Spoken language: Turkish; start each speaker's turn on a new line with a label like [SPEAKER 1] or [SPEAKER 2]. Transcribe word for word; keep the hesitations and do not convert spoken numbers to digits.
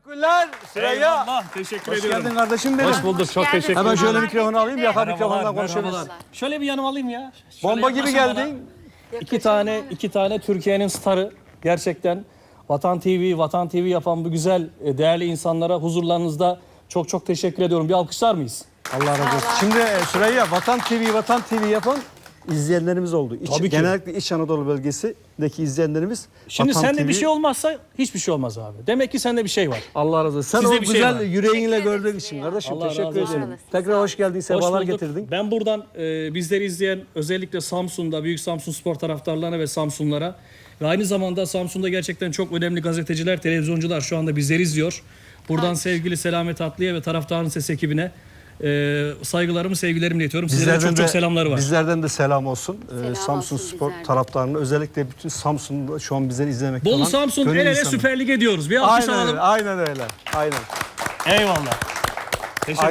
[SPEAKER 1] Teşekkürler Süreyya.
[SPEAKER 2] Eyvallah, teşekkür
[SPEAKER 1] Hoş
[SPEAKER 2] ediyorum.
[SPEAKER 1] geldin kardeşim benim.
[SPEAKER 2] Hoş bulduk, çok teşekkür ederim.
[SPEAKER 1] Hemen şöyle
[SPEAKER 3] Merhabalar,
[SPEAKER 1] mikrofonu alayım, yaka
[SPEAKER 3] getirdi.
[SPEAKER 1] mikrofondan konuşabiliriz.
[SPEAKER 2] Şöyle bir yanıma alayım ya. Şöyle
[SPEAKER 1] Bomba gibi
[SPEAKER 2] yaklaşın bana.
[SPEAKER 1] geldin.
[SPEAKER 2] İki tane, iki tane Türkiye'nin starı. Gerçekten Vatan T V, Vatan T V yapan bu güzel, e, değerli insanlara huzurlarınızda çok çok teşekkür ediyorum. Bir alkışlar mıyız?
[SPEAKER 1] Allah razı olsun. Şimdi e, Süreyya, Vatan T V, Vatan T V yapan izleyenlerimiz oldu. İç,
[SPEAKER 2] Tabii ki.
[SPEAKER 1] Genellikle İç Anadolu bölgesindeki izleyenlerimiz
[SPEAKER 2] Şimdi
[SPEAKER 1] Vatan
[SPEAKER 2] sende
[SPEAKER 1] T V.
[SPEAKER 2] bir şey olmazsa hiçbir şey olmaz abi. Demek ki sende bir şey var.
[SPEAKER 1] Allah razı olsun. Sen
[SPEAKER 2] Size
[SPEAKER 1] o
[SPEAKER 2] bir şey
[SPEAKER 1] güzel
[SPEAKER 2] var.
[SPEAKER 1] yüreğinle
[SPEAKER 3] Teşekkür
[SPEAKER 1] gördüğün
[SPEAKER 3] ederiz
[SPEAKER 1] için
[SPEAKER 3] ya.
[SPEAKER 1] kardeşim
[SPEAKER 2] Allah
[SPEAKER 1] teşekkür
[SPEAKER 2] razı olsun.
[SPEAKER 1] ederim.
[SPEAKER 3] Sağ olasın,
[SPEAKER 1] Tekrar
[SPEAKER 3] sağ
[SPEAKER 1] hoş geldin,
[SPEAKER 2] Hoş
[SPEAKER 1] sefalar
[SPEAKER 2] bulduk.
[SPEAKER 1] getirdin.
[SPEAKER 2] Ben buradan e, bizleri izleyen özellikle Samsun'da, Büyük Samsun Spor taraftarlarına ve Samsunlara ve aynı zamanda Samsun'da gerçekten çok önemli gazeteciler, televizyoncular şu anda bizleri izliyor. Buradan sevgili Selamet Atlı'ya ve taraftarın ses ekibine e, saygılarımı, sevgilerimi iletiyorum. Sizlere çok çok selamları var.
[SPEAKER 1] Bizlerden de selam olsun. Ee,
[SPEAKER 3] Selam
[SPEAKER 1] Samsun
[SPEAKER 3] olsun
[SPEAKER 1] Spor
[SPEAKER 3] bizlerden.
[SPEAKER 1] taraftarına, özellikle bütün Samsun'da şu an bizleri izlemekte olan
[SPEAKER 2] Bolu Samsun
[SPEAKER 1] gönül
[SPEAKER 2] el ele
[SPEAKER 1] insanı.
[SPEAKER 2] Süper Lig ediyoruz. Bir alkış
[SPEAKER 1] Aynen
[SPEAKER 2] alalım.
[SPEAKER 1] öyle, aynen öyle. Aynen.
[SPEAKER 2] Eyvallah. Teşekkür